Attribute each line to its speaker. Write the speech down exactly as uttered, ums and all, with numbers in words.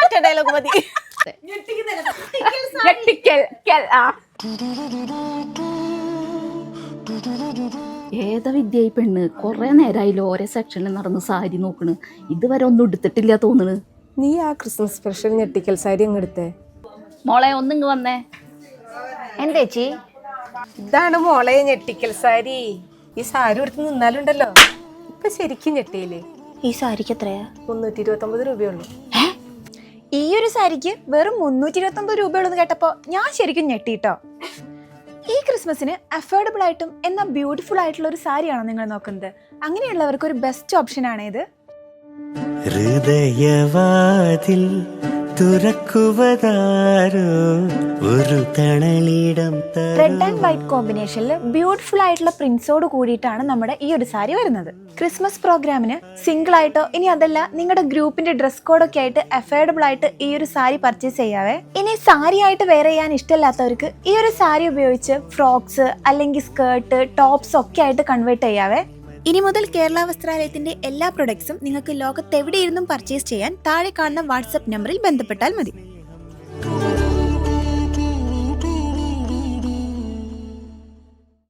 Speaker 1: ഒറ്റ ഡയലോഗ് മതി.
Speaker 2: ഏതാ വിദ്യ ഈ പെണ്ണ്? കൊറേ നേരമായില്ലോ ഓരോ സെക്ഷനിൽ നടന്ന് സാരി നോക്കണ്, ഇതുവരെ ഒന്നും എടുത്തിട്ടില്ല തോന്നണ്.
Speaker 1: നീ ആ ക്രിസ്മസ് സ്പെഷ്യൽ ഞെട്ടിക്കൽ സാരി അങ്ങ് എടുത്തേ.
Speaker 2: മോളെ ഒന്നിങ്ങ് വന്നേ.
Speaker 3: എന്താ ചേച്ചി?
Speaker 1: ഇതാണ് മോളെ ഞെട്ടിക്കൽ സാരി. ഈ സാരി എടുത്ത് നിന്നാലുണ്ടല്ലോ ഇപ്പൊ ശരിക്കും ഞെട്ടിയില്ലേ?
Speaker 3: ഈ സാരിക്ക് എത്രയാ?
Speaker 1: മുന്നൂറ്റി ഇരുപത്തി ഒമ്പത് രൂപയുള്ളൂ.
Speaker 3: ഈ ഒരു സാരിക്ക് വെറും മുന്നൂറ്റി ഇരുപത്തി ഒമ്പത് രൂപയുള്ളൂ കേട്ടപ്പോ ഞാൻ ശരിക്കും ഞെട്ടിട്ടോ. ഈ ക്രിസ്മസിന് അഫോർഡബിൾ ആയിട്ടും എന്നാൽ ബ്യൂട്ടിഫുൾ ആയിട്ടുള്ള ഒരു സാരിയാണോ നിങ്ങൾ നോക്കുന്നത്? അങ്ങനെയുള്ളവർക്ക് ഒരു ബെസ്റ്റ് ഓപ്ഷൻ ആണ് ഇത്.
Speaker 4: ഹൃദയവാതിൽ തുറക്കുവതാരോ ഒരു തണലിടം.
Speaker 3: റെഡ് ആൻഡ് വൈറ്റ് കോമ്പിനേഷനിൽ ബ്യൂട്ടിഫുൾ ആയിട്ടുള്ള പ്രിന്റ്സോട് കൂടിയിട്ടാണ് നമ്മുടെ ഈ ഒരു സാരി വരുന്നത്. ക്രിസ്മസ് പ്രോഗ്രാമിന് സിംഗിൾ ആയിട്ടോ ഇനി അതല്ല നിങ്ങളുടെ ഗ്രൂപ്പിന്റെ ഡ്രസ് കോഡൊക്കെ ആയിട്ട് അഫോർഡബിൾ ആയിട്ട് ഈ ഒരു സാരി പർച്ചേസ് ചെയ്യാവേ. ഇനി സാരി ആയിട്ട് വെയർ ചെയ്യാൻ ഇഷ്ടമില്ലാത്തവർക്ക് ഈ ഒരു സാരി ഉപയോഗിച്ച് ഫ്രോക്സ് അല്ലെങ്കിൽ സ്കേർട്ട്, ടോപ്സ് ഒക്കെ ആയിട്ട് കൺവേർട്ട് ചെയ്യാവേ. ഇനി മുതൽ കേരള വസ്ത്രാലയത്തിന്റെ എല്ലാ പ്രൊഡക്ട്സും നിങ്ങൾക്ക് ലോകത്തെവിടെയിരുന്നും പർച്ചേസ് ചെയ്യാൻ താഴെ കാണുന്ന വാട്സ്ആപ്പ് നമ്പറിൽ ബന്ധപ്പെട്ടാൽ മതി.